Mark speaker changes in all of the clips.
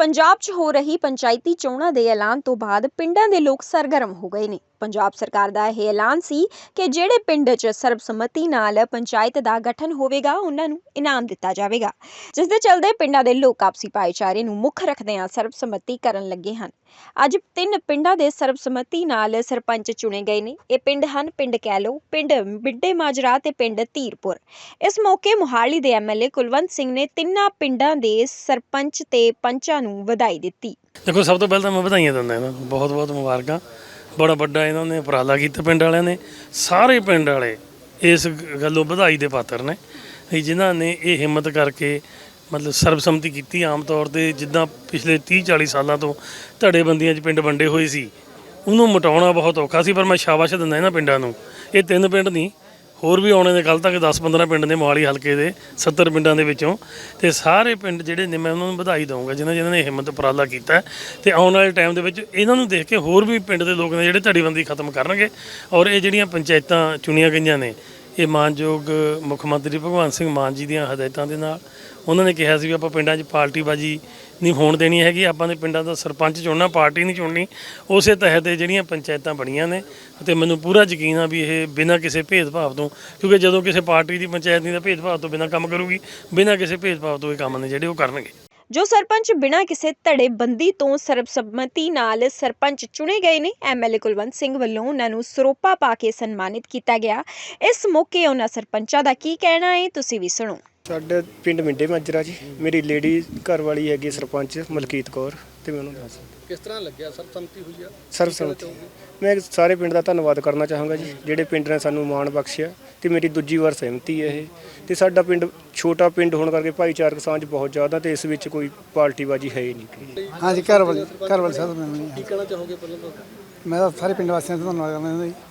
Speaker 1: ਪੰਜਾਬ 'ਚ ਹੋ ਰਹੀ ਪੰਚਾਇਤੀ ਚੋਣਾਂ ਦੇ ਐਲਾਨ ਤੋਂ ਬਾਅਦ ਪਿੰਡਾਂ ਦੇ ਲੋਕ ਸਰਗਰਮ ਹੋ ਗਏ ਨੇ। ਪੰਜਾਬ ਸਰਕਾਰ ਦਾ ਇਹ ਐਲਾਨ ਸੀ ਕਿ ਜਿਹੜੇ ਪਿੰਡ 'ਚ ਸਰਬਸੰਮਤੀ ਨਾਲ ਪੰਚਾਇਤ ਦਾ ਗਠਨ ਹੋਵੇਗਾ ਉਹਨਾਂ ਨੂੰ ਇਨਾਮ ਦਿੱਤਾ ਜਾਵੇਗਾ, ਜਿਸ ਦੇ ਚੱਲਦੇ ਪਿੰਡਾਂ ਦੇ ਲੋਕ ਆਪਸੀ ਭਾਈਚਾਰੇ ਨੂੰ ਮੁੱਖ ਰੱਖਦਿਆਂ ਸਰਬਸੰਮਤੀ ਕਰਨ ਲੱਗੇ ਹਨ। ਅੱਜ 3 ਪਿੰਡਾਂ ਦੇ ਸਰਬਸੰਮਤੀ ਨਾਲ ਸਰਪੰਚ ਚੁਣੇ ਗਏ ਨੇ। ਇਹ ਪਿੰਡ ਹਨ ਪਿੰਡ ਕੈਲੋ, ਪਿੰਡ ਬਿੱਡੇ ਮਾਜਰਾ ਤੇ ਪਿੰਡ ਧੀਰਪੁਰ। ਇਸ ਮੌਕੇ ਮੋਹਾਲੀ ਦੇ ਐਮਐਲਏ ਕੁਲਵੰਤ ਸਿੰਘ ਨੇ ਤਿੰਨਾਂ ਪਿੰਡਾਂ ਦੇ ਸਰਪੰਚ ਤੇ ਪੰਚਾਂ ਨੂੰ ਵਧਾਈ ਦਿੱਤੀ।
Speaker 2: देखो, सब तो पहले तो मैं बधाइयां दिंदा इन्हां नूं, बहुत बहुत मुबारकां। बड़ा वड्डा इन्होंने उपराला कीता पिंड वालियां ने। सारे पिंड वाले इस गल्लों बधाई दे पात्र ने जिन्हां ने ये हिम्मत करके मतलब सर्बसम्मति की। आम तौर पर जिद्दां पिछले 30-40 सालों तो धड़ेबंदियां च पिंड वंडे होए सी, उन्होंने मिटाउणा बहुत औखा सी। पर मैं शाबाश दिंदा इन्हां पिंडां नूं। ये 3 पिंड नहीं, होर भी आने दे कल तक 10-15 पिंड ने मोहाली हल्के दे 70 पिंडां दे विचों। ते सारे पिंड जिहड़े ने मैं उन्होंने बधाई दूँगा जिन्हां ने हिम्मत उपराला कीता है। ते आउण वाले टाइम दे विच इन्हां नूं देख के होर भी पिंड दे लोक ने जिहड़े धड़ेबंदी खत्म करनगे। और ये जिहड़ियां पंचायतां चुणीआं गईआं ने ये मानयोग मुख मंत्री भगवंत सिंह मान जी दीआं हदायतां दे नाल उन्होंने कहा सी भी आपां पिंडां 'च पार्टीबाजी नहीं होण देनी हैगी, आपां ने पिंडां दा सरपंच चुनना, पार्टी नहीं चुननी। उस तहत जिहड़ियां पंचायतां बणीआं ने ते मैनूं पूरा यकीन आ भी ये बिना किसी भेदभाव तो, क्योंकि जदों किसी पार्टी की पंचायत नहीं भेदभाव तो बिना काम करूगी, बिना किसी भेदभाव तो ये काम ने जिहड़े वो करनगे।
Speaker 1: जो सरपंच बिना किसी धड़ेबंदी तो सर्बसम्मति नाल सरपंच चुने गए ने, एमएलए कुलवंत सिंह वल्लों उन्हां नूं सरोपा पा के सन्मानित किया गया। इस मौके उन्हां सरपंचां दा की कहना है, तुसीं भी सुणो।
Speaker 3: ਸਾਡੇ ਪਿੰਡ ਮਿੰਡੇ ਮਾਜਰਾ ਜੀ, ਮੇਰੀ ਲੇਡੀ ਘਰ ਵਾਲੀ ਹੈਗੀ ਸਰਪੰਚ ਮਲਕੀਤ ਕੌਰ। ਤੇ ਮੈਨੂੰ ਦੱਸ
Speaker 4: ਕਿਸ ਤਰ੍ਹਾਂ ਲੱਗਿਆ ਸਰਬਸੰਮਤੀ ਹੋਈ ਆ?
Speaker 3: ਸਰਬਸੰਮਤੀ ਮੈਂ ਸਾਰੇ ਪਿੰਡ ਦਾ ਧੰਨਵਾਦ ਕਰਨਾ ਚਾਹਾਂਗਾ ਜੀ, ਜਿਹੜੇ ਪਿੰਡ ਨੇ ਸਾਨੂੰ ਮਾਣ ਬਖਸ਼ਿਆ। ਤੇ ਮੇਰੀ ਦੂਜੀ ਵਾਰ ਸਹਿਮਤੀ ਹੈ ਇਹ। ਤੇ ਸਾਡਾ ਪਿੰਡ ਛੋਟਾ ਪਿੰਡ ਹੋਣ ਕਰਕੇ ਭਾਈਚਾਰਕ ਸਾਂਝ ਬਹੁਤ ਜ਼ਿਆਦਾ ਤੇ ਇਸ ਵਿੱਚ ਕੋਈ ਪਾਰਟੀਬਾਜੀ ਹੈ ਹੀ ਨਹੀਂ।
Speaker 5: ਹਾਂਜੀ, ਘਰ ਵਾਲੀ ਸਾਹਿਬ ਮੈਨੂੰ
Speaker 4: ਕੀ ਕਹਿਣਾ ਚਾਹੋਗੇ? ਪਹਿਲਾਂ ਤਾਂ
Speaker 5: ਮੈਂ ਤਾਂ ਸਾਰੇ ਪਿੰਡ ਵਾਸੀਆਂ ਦਾ ਧੰਨਵਾਦ ਕਰਦਾ ਜੀ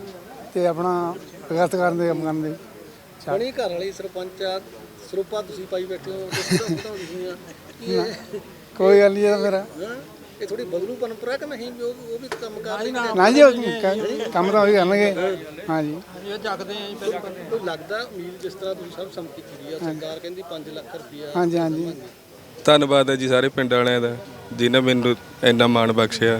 Speaker 5: ਤੇ ਆਪਣਾ ਵਿਕਾਸ ਕਰਨ ਦੇ ਕੰਮ ਕਰਨ ਦੇ।
Speaker 4: ਬਣੀ ਘਰ ਵਾਲੀ ਸਰਪੰਚ ਆ, ਸਰੂਪਾ ਤੁਸੀਂ ਪਾਈ ਬੈਠੇ ਹੋ,
Speaker 5: ਕੋਈ ਗੱਲ ਨਹੀਂ ਮੇਰਾ
Speaker 4: ਇਹ ਥੋੜੀ ਬਦਲੂ ਪਰੰਪਰਾ ਕਿ ਨਹੀਂ? ਉਹ ਵੀ ਕੰਮ ਕਰ ਰਹੇ
Speaker 5: ਨਾ ਜੀ, ਕੰਮ ਤਾਂ ਉਹੀ ਕਰਨਗੇ। ਹਾਂਜੀ,
Speaker 4: ਕੋਈ ਲੱਗਦਾ ਉਮੀਦ ਜਿਸ ਤਰ੍ਹਾਂ ਤੁਸੀਂ ਸਰਬਸੰਮਤੀ ਕੀਤੀ ਆ, ਸਰਕਾਰ ਕਹਿੰਦੀ 5 ਲੱਖ ਰੁਪਈਆ।
Speaker 5: ਹਾਂਜੀ ਹਾਂਜੀ,
Speaker 6: ਧੰਨਵਾਦ ਹੈ ਜੀ ਸਾਰੇ ਪਿੰਡ ਵਾਲਿਆਂ ਦਾ ਜਿਨ੍ਹਾਂ ਮੈਨੂੰ ਇੰਨਾ ਮਾਣ ਬਖਸ਼ਿਆ।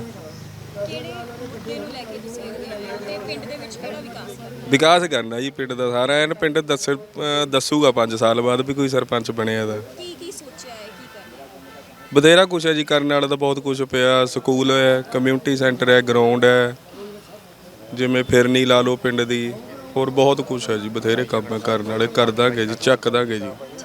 Speaker 6: ਵਿਕਾਸ ਕਰਨਾ ਜੀ ਪਿੰਡ ਦਾ ਸਾਰਾ। ਐਨ ਪਿੰਡ ਦੱਸੂਗਾ 5 ਸਾਲ ਬਾਅਦ ਵੀ ਕੋਈ ਸਰਪੰਚ ਬਣਿਆ ਦਾ।
Speaker 1: ਕੀ ਸੋਚਿਆ ਹੈ, ਕੀ ਕਰਨਾ?
Speaker 6: ਬਥੇਰਾ ਕੁਛ ਹੈ ਜੀ, ਕਰਨ ਵਾਲਾ ਤਾਂ ਬਹੁਤ ਕੁਛ ਪਿਆ। ਸਕੂਲ ਹੈ, ਕਮਿਊਨਿਟੀ ਸੈਂਟਰ ਹੈ, ਗਰਾਊਂਡ ਹੈ, ਜਿਵੇਂ ਫਿਰਨੀ ਲਾ ਲਓ ਪਿੰਡ ਦੀ, ਹੋਰ ਬਹੁਤ ਕੁਛ ਹੈ ਜੀ। ਬਥੇਰੇ ਕੰਮ ਕਰਨ ਵਾਲੇ, ਕਰ ਦਾਂਗੇ ਜੀ, ਚੱਕ ਦਾਂਗੇ ਜੀ।